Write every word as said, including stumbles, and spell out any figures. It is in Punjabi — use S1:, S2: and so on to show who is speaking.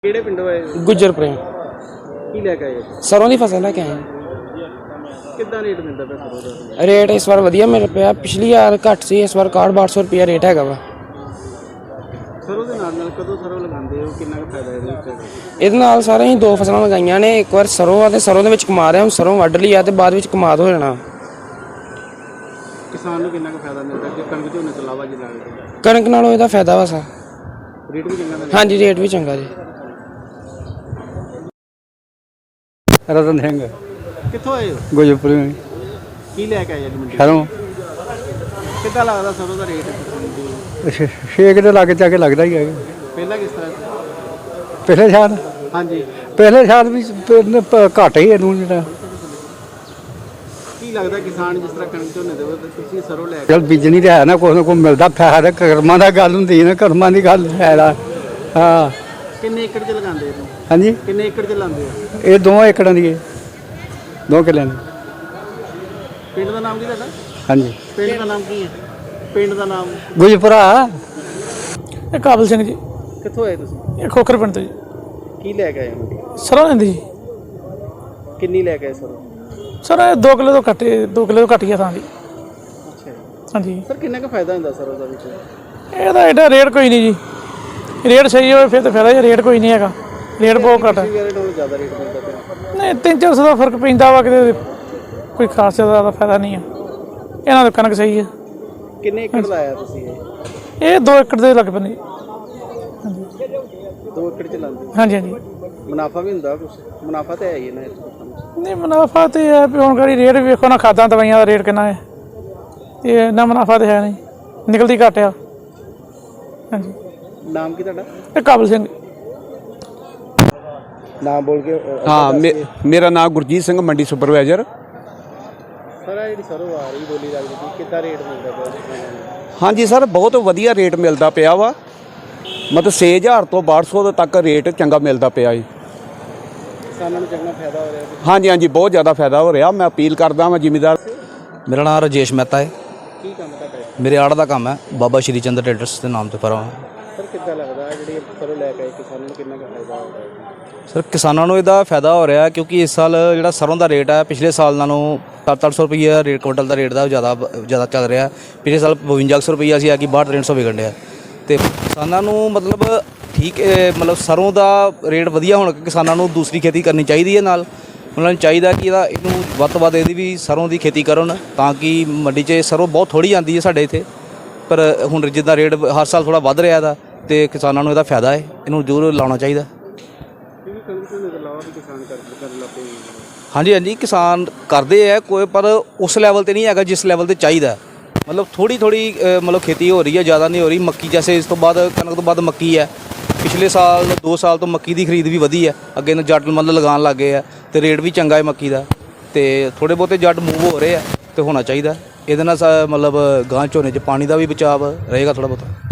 S1: ਕਿਹੜੇ ਪਿੰਡੋਂ ਆਏ?
S2: ਗੁੱਜਰ ਪ੍ਰੇਮ।
S1: ਕੀ ਲੈ ਕੇ ਆਏ?
S2: ਸਰੋਂ ਦੀ ਫਸਲ ਲੈ ਕੇ ਆਏ।
S1: ਕਿੱਦਾਂ ਰੇਟ ਮਿਲਦਾ ਪਿਆ ਸਰੋਂ ਦਾ?
S2: ਰੇਟ ਇਸ ਵਾਰ ਵਧੀਆ ਮਿਲ ਪਿਆ। ਪਿਛਲੀ ਵਾਰ ਘੱਟ ਸੀ, ਇਸ ਵਾਰ ਇਕਾਹਠ ਬਾਹਠ ਸੌ ਰੁਪਇਆ ਰੇਟ ਹੈਗਾ ਵਾ।
S1: ਸਰੋਂ ਦੇ ਨਾਲ ਨਾਲ ਕਦੋਂ ਸਰੋਂ ਲਗਾਉਂਦੇ ਹੋ? ਕਿੰਨਾ ਕੁ ਫਾਇਦਾ ਇਹਦੇ ਵਿੱਚ?
S2: ਇਹਦੇ ਨਾਲ ਸਾਰੇ ਅਸੀਂ ਦੋ ਫਸਲਾਂ ਲਗਾਈਆਂ ਨੇ। ਇੱਕ ਵਾਰ ਸਰੋਂ ਆ ਤੇ ਸਰੋਂ ਦੇ ਵਿੱਚ ਕਮਾ ਰਿਹਾ, ਹੁਣ ਸਰੋਂ ਵੱਢ ਲਈ ਆ ਤੇ ਬਾਅਦ ਵਿੱਚ ਕਮਾਦ ਹੋ ਜਾਣਾ।
S1: ਕਿਸਾਨ ਨੂੰ ਕਿੰਨਾ ਕੁ ਫਾਇਦਾ ਮਿਲਦਾ ਜੇ ਕਣਕ ਝੋਨੇ ਤੋਂ ਇਲਾਵਾ ਜੀ ਲੱਗਦਾ?
S2: ਕਣਕ ਨਾਲੋਂ ਇਹਦਾ ਫਾਇਦਾ ਵਾ ਸਾ।
S1: ਰੇਟ ਵੀ ਚੰਗਾ ਮਿਲਦਾ?
S2: ਹਾਂਜੀ, ਰੇਟ ਵੀ ਚੰਗਾ ਜੀ।
S3: ਰਤਨ ਸਿੰਘ
S1: ਕਿੱਥੋਂ ਆਏ ਹੋ?
S3: ਗੁਜਰਪੁਰ
S1: ਕੀ ਲੈ ਕੇ ਆਏ ਅੱਜ ਮੰਡੀ?
S3: ਸ਼ਰੋਂ
S1: ਕਿੱਦਾਂ ਲੱਗਦਾ ਸਰੋਂ ਦਾ ਰੇਟ?
S3: ਛੇਕ ਦੇ ਲਾਗੇ ਜਾ ਕੇ ਲੱਗਦਾ ਹੀ ਹੈ।
S1: ਪਹਿਲਾਂ ਕਿਸ ਤਰ੍ਹਾਂ ਸੀ?
S3: ਪਿਛਲੇ ਸਾਲ
S1: ਹਾਂਜੀ,
S3: ਪਿਛਲੇ ਸਾਲ ਵੀ ਪ- ਪ- ਘੱਟ ਹੀ ਇਹਨੂੰ ਜਿਹੜਾ
S1: ਕੀ ਲੱਗਦਾ ਕਿਸਾਨ ਜਿਸ ਤਰ੍ਹਾਂ ਕਣਕ ਝੋਨੇ ਦੇ ਤੇ ਤੁਸੀਂ ਸਰੋਂ ਲੈ ਕੇ
S3: ਚਲ ਬੀਜਣੀ ਤਾਂ ਹੈ ਨਾ, ਕੁਛ ਨਾ ਕੁਛ ਮਿਲਦਾ ਫਾਇਦਾ। ਕਰਮਾਂ ਦਾ ਗੱਲ ਹੁੰਦੀ ਹੈ ਨਾ, ਕਰਮਾਂ ਦੀ ਗੱਲ ਹੈ ਨਾ। ਹਾਂ
S1: ਕਿੰਨੇ ਏਕੜ 'ਚ ਲਗਾਉਂਦੇ ਇਹਨੂੰ?
S3: ਹਾਂਜੀ,
S1: ਕਿੰਨੇ ਏਕੜ 'ਚ ਲਾਉਂਦੇ ਹੋ?
S3: ਇਹ ਦੋ ਏਕੜਾਂ ਦੀ ਹੈ, ਦੋ ਕਿੱਲਿਆਂ ਦੀ।
S1: ਪਿੰਡ ਦਾ ਨਾਮ ਕੀ ਤੁਹਾਡਾ?
S3: ਹਾਂਜੀ,
S1: ਪਿੰਡ ਦਾ ਨਾਮ ਕੀ ਹੈ? ਪਿੰਡ ਦਾ ਨਾਮ?
S3: ਗੁਜਰਪੁਰਾ।
S4: ਇਹ ਕਾਬਲ ਸਿੰਘ ਜੀ,
S1: ਕਿੱਥੋਂ ਆਏ ਤੁਸੀਂ?
S4: ਇਹ ਖੋਖਰ ਪਿੰਡ ਤੋਂ ਜੀ।
S1: ਕੀ ਲੈ ਕੇ ਆਏ ਮੰਡੀ?
S4: ਸਰੋਂ ਲੈਂਦੀ ਜੀ
S1: ਕਿੰਨੀ ਲੈ ਕੇ ਆਏ ਸਰੋਂ?
S4: ਸਰ ਇਹ ਦੋ ਕਿਲੋ ਤੋਂ ਘੱਟ ਦੋ ਕਿਲੋ ਤੋਂ ਘੱਟ ਹੀ ਆ ਥਾਂ ਦੀ।
S1: ਅੱਛਾ ਜੀ।
S4: ਹਾਂਜੀ,
S1: ਸਰ ਕਿੰਨਾ ਕੁ ਫਾਇਦਾ ਹੁੰਦਾ ਸਰੋਂ ਦਾ ਵਿੱਚ?
S4: ਇਹਦਾ ਐਡਾ ਰੇਟ ਕੋਈ ਨਹੀਂ ਜੀ। ਰੇਟ ਸਹੀ ਹੋਵੇ ਫਿਰ ਤਾਂ ਫਾਇਦਾ ਜੀ। ਰੇਟ ਕੋਈ ਨਹੀਂ ਹੈਗਾ, ਰੇਟ ਬਹੁਤ ਘੱਟ ਹੈ।
S1: ਪਿਛਲੀ ਵਾਰ ਨਾਲੋਂ ਜ਼ਿਆਦਾ ਰੇਟ ਮਿਲਦਾ ਪਿਆ?
S4: ਨਹੀਂ, ਤਿੰਨ ਚਾਰ ਸੌ ਦਾ ਫਰਕ ਪੈਂਦਾ ਵਾ, ਕਿਤੇ ਕੋਈ ਖਾਸ ਜ਼ਿਆਦਾ ਫਾਇਦਾ ਨਹੀਂ ਆ। ਇਹਨਾਂ ਦਾ ਕਣਕ ਸਹੀ ਹੈ।
S1: ਕਿੰਨੇ ਏਕੜ ਲਾਇਆ ਤੁਸੀਂ ਇਹ?
S4: ਇਹ ਦੋ ਏਕੜ ਦੇ ਲੱਗ ਪੈਂਦੇ ਜੀ।
S1: ਦੋ ਏਕੜ ਚ ਲਾਉਂਦੇ ਹੋ?
S4: ਹਾਂਜੀ ਹਾਂਜੀ।
S1: ਮੁਨਾਫਾ ਵੀ ਹੁੰਦਾ ਕੁਛ? ਮੁਨਾਫਾ ਤਾਂ ਹੈ ਹੀ ਹੈ ਨਾ ਇਸ ਵਿੱਚ।
S4: ਨਹੀਂ, ਮੁਨਾਫਾ ਤੇ ਹੈ ਵੀ ਹੁਣ ਗਾੜੀ ਰੇਟ ਵੀ ਵੇਖੋ ਨਾ, ਖਾਦਾਂ ਦਵਾਈਆਂ ਦਾ ਰੇਟ ਕਿੰਨਾ ਹੈ। ਇਹ ਇੰਨਾ ਮੁਨਾਫਾ ਤਾਂ ਹੈ ਨਹੀਂ, ਨਿਕਲਦੀ ਘੱਟ ਆ। ਹਾਂਜੀ।
S1: ਨਾਮ ਕੀ ਤੁਹਾਡਾ?
S4: ਇਹ ਕਾਬਲ ਸਿੰਘ।
S1: ਨਾਮ ਬੋਲ ਕੇ।
S5: हाँ मे, मेरा नाम गुरजीत सिंह मंडी सुपरवाइजर।
S1: ਸਰ ਇਹ ਜਿਹੜੀ ਸਰੋਂ ਆ ਰਹੀ ਬੋਲੀ ਲੱਗਦੀ ਸੀ, ਕਿੱਦਾਂ ਰੇਟ ਮਿਲਦਾ ਪਿਆ?
S5: हाँ जी सर, बहुत वधिया रेट मिलता पिया वा। मतलब छे हज़ार तो बारह सौ तक रेट चंगा मिलता पिया जी।
S1: ਕਿਸਾਨਾਂ ਨੂੰ ਚੰਗਾ ਫਾਇਦਾ ਹੋ ਰਿਹਾ?
S5: हाँ जी हाँ जी, बहुत ज़्यादा फायदा हो रहा। मैं अपील करदा वां जिमीदार।
S6: मेरा नाम राजेश मेहता है।
S1: ਕੀ ਕੰਮ ਤੁਹਾਡਾ?
S6: मेरे आड़ का काम है, बाबा श्री चंद्र ट्रेडर्स के नाम से फर्म है।
S1: ਸਰ ਕਿੱਦਾਂ ਲੱਗਦਾ ਜਿਹੜੀ ਸਰੋਂ ਲੈ ਕੇ ਆਏ ਕਿਸਾਨਾਂ ਨੂੰ ਕਿੰਨਾ ਕੁ ਫਾਇਦਾ ਹੋ ਰਿਹਾ?
S6: ਸਰ ਕਿਸਾਨਾਂ ਨੂੰ ਇਹਦਾ ਫਾਇਦਾ ਹੋ ਰਿਹਾ ਕਿਉਂਕਿ ਇਸ ਸਾਲ ਜਿਹੜਾ ਸਰੋਂ ਦਾ ਰੇਟ ਹੈ ਪਿਛਲੇ ਸਾਲ ਨਾਲੋਂ ਸੱਤ ਅੱਠ ਸੌ ਰੁਪਈਆ ਰੇਟ ਕੁਇੰਟਲ ਦਾ ਰੇਟ ਦਾ ਜ਼ਿਆਦਾ ਜ਼ਿਆਦਾ ਚੱਲ ਰਿਹਾ। ਪਿਛਲੇ ਸਾਲ ਬਵੰਜਾ ਸੌ ਰੁਪਈਆ ਸੀ, ਆ ਕਿ ਬਾਹਠ ਤਿੰਨ ਸੌ ਵਿਕਣ ਡਿਆ। ਅਤੇ ਕਿਸਾਨਾਂ ਨੂੰ ਮਤਲਬ ਠੀਕ ਮਤਲਬ ਸਰੋਂ ਦਾ ਰੇਟ ਵਧੀਆ ਹੋਣ ਕਰਕੇ ਕਿਸਾਨਾਂ ਨੂੰ ਦੂਸਰੀ ਖੇਤੀ ਕਰਨੀ ਚਾਹੀਦੀ ਹੈ। ਨਾਲ ਉਹਨਾਂ ਨੂੰ ਚਾਹੀਦਾ ਕਿ ਇਹਦਾ ਇਹਨੂੰ ਵੱਧ ਤੋਂ ਵੱਧ ਇਹਦੀ ਵੀ ਸਰੋਂ ਦੀ ਖੇਤੀ ਕਰਨ, ਤਾਂ ਕਿ ਮੰਡੀ 'ਚ ਸਰੋਂ ਬਹੁਤ ਥੋੜ੍ਹੀ ਆਉਂਦੀ ਹੈ ਸਾਡੇ ਇੱਥੇ। ਪਰ ਹੁਣ ਜਿੱਦਾਂ ਰੇਟ ਹਰ ਸਾਲ ਥੋੜ੍ਹਾ ਵੱਧ ਰਿਹਾ ਇਹਦਾ, ਅਤੇ ਕਿਸਾਨਾਂ ਨੂੰ ਇਹਦਾ ਫਾਇਦਾ ਹੈ, ਇਹਨੂੰ ਜ਼ਰੂਰ ਲਾਉਣਾ ਚਾਹੀਦਾ।
S1: ਕਿਉਂਕਿ ਕਣਕ ਝੋਨੇ ਤੋਂ ਇਲਾਵਾ ਵੀ ਕਿਸਾਨ ਕਰ ਕਰਨ ਲੱਗ ਪਏ।
S6: ਹਾਂਜੀ ਹਾਂਜੀ, ਕਿਸਾਨ ਕਰਦੇ ਹੈ ਕੋਈ, ਪਰ ਉਸ ਲੈਵਲ 'ਤੇ ਨਹੀਂ ਹੈਗਾ ਜਿਸ ਲੈਵਲ 'ਤੇ ਚਾਹੀਦਾ। ਮਤਲਬ ਥੋੜ੍ਹੀ ਥੋੜ੍ਹੀ ਮਤਲਬ ਖੇਤੀ ਹੋ ਰਹੀ ਹੈ, ਜ਼ਿਆਦਾ ਨਹੀਂ ਹੋ ਰਹੀ। ਮੱਕੀ ਜੈਸੇ ਇਸ ਤੋਂ ਬਾਅਦ ਕਣਕ ਤੋਂ ਬਾਅਦ ਮੱਕੀ ਹੈ। ਪਿਛਲੇ ਸਾਲ ਦੋ ਸਾਲ ਤੋਂ ਮੱਕੀ ਦੀ ਖਰੀਦ ਵੀ ਵਧੀ ਹੈ। ਅੱਗੇ ਨੂੰ ਜੱਟ ਮਤਲਬ ਲਗਾਉਣ ਲੱਗ ਗਏ ਆ, ਅਤੇ ਰੇਟ ਵੀ ਚੰਗਾ ਹੈ ਮੱਕੀ ਦਾ। ਅਤੇ ਥੋੜ੍ਹੇ ਬਹੁਤੇ ਜੱਟ ਮੂਵ ਹੋ ਰਹੇ ਆ, ਅਤੇ ਹੋਣਾ ਚਾਹੀਦਾ। ਇਹਦੇ ਨਾਲ ਮਤਲਬ ਗਾਂ ਝੋਨੇ 'ਚ ਪਾਣੀ ਦਾ ਵੀ ਬਚਾਅ ਰਹੇਗਾ ਥੋੜ੍ਹਾ ਬਹੁਤਾ।